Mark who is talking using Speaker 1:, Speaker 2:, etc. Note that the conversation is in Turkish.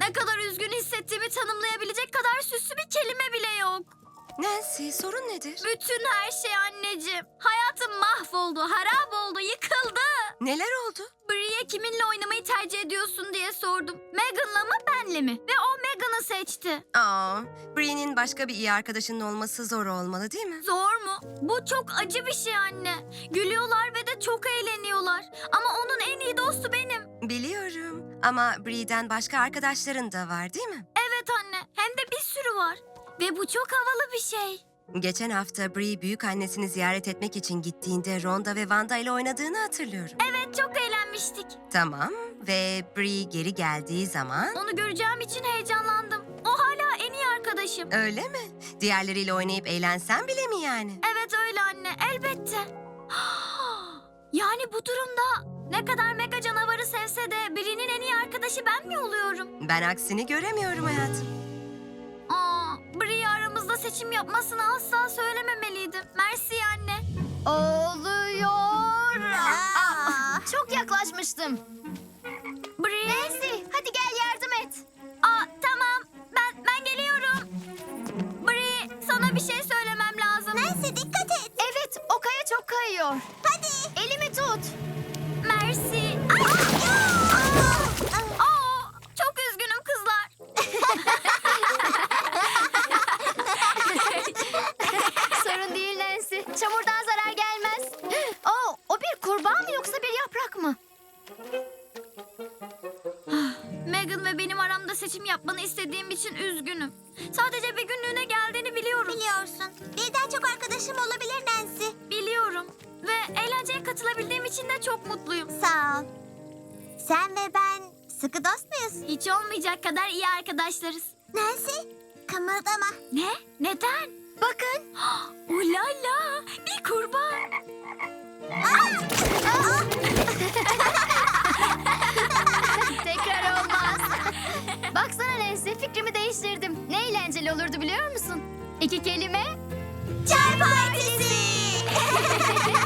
Speaker 1: Ne kadar üzgün hissettiğimi tanımlayabilecek kadar süslü bir kelime bile yok.
Speaker 2: Nancy, sorun nedir?
Speaker 1: Bütün her şey anneciğim. Hayatım mahvoldu, harap oldu, yıkıldı.
Speaker 2: Neler oldu?
Speaker 1: Bree'ye kiminle oynamayı tercih ediyorsun diye sordum. Megan'la mı benle mi? Ve o Megan'ı seçti.
Speaker 2: Bree'nin başka bir iyi arkadaşının olması zor olmalı değil mi?
Speaker 1: Zor mu? Bu çok acı bir şey anne. Gülüyorlar ve de çok eğleniyorlar. Ama onun en iyi dostu benim.
Speaker 2: Biliyorum ama Bree'den başka arkadaşların da var değil mi?
Speaker 1: Evet anne, hem de bir sürü var. Ve bu çok havalı bir şey.
Speaker 2: Geçen hafta Bree büyük annesini ziyaret etmek için gittiğinde Rhonda ve Wanda ile oynadığını hatırlıyorum.
Speaker 1: Evet, çok eğlenmiştik.
Speaker 2: Tamam ve Bree geri geldiği zaman...
Speaker 1: Onu göreceğim için heyecanlandım. O hala en iyi arkadaşım.
Speaker 2: Öyle mi? Diğerleriyle oynayıp eğlensen bile mi yani?
Speaker 1: Evet öyle anne, elbette. Yani bu durumda ne kadar mega canavarı sevse de Bree'nin en iyi arkadaşı ben mi oluyorum?
Speaker 2: Ben aksini göremiyorum hayatım.
Speaker 1: Bree aramızda seçim yapmasını asla söylememeliydim. Mersi anne.
Speaker 3: Oluyor. Çok yaklaşmıştım.
Speaker 1: Bree.
Speaker 3: Nancy, hadi gel yardım et.
Speaker 1: Tamam. Ben geliyorum. Bree, sana bir şey söylemem lazım.
Speaker 3: Nancy, dikkat et. Evet, o kaya çok kayıyor. Hadi. Elimi tut.
Speaker 1: Mersi. Çok üzgünüm kızlar.
Speaker 3: Sorun değil Nancy. Çamurdan zarar gelmez. O bir kurbağa mı yoksa bir yaprak mı?
Speaker 1: Megan ve benim aramda seçim yapmanı istediğim için üzgünüm. Sadece bir günlüğüne geldiğini biliyorum.
Speaker 4: Biliyorsun. Birden çok arkadaşım olabilir Nancy.
Speaker 1: Biliyorum. Ve eğlenceye katılabildiğim için de çok mutluyum.
Speaker 4: Sağ ol. Sen ve ben sıkı dost muyuz?
Speaker 1: Hiç olmayacak kadar iyi arkadaşlarız.
Speaker 4: Nancy, kımıldama.
Speaker 1: Ne? Neden?
Speaker 4: Bakın.
Speaker 1: Ulala! Bir kurbağa.
Speaker 3: Tekrar olmaz. Baksana Nancy, fikrimi değiştirdim. Ne eğlenceli olurdu biliyor musun? 2 kelime.
Speaker 4: Çay partisi.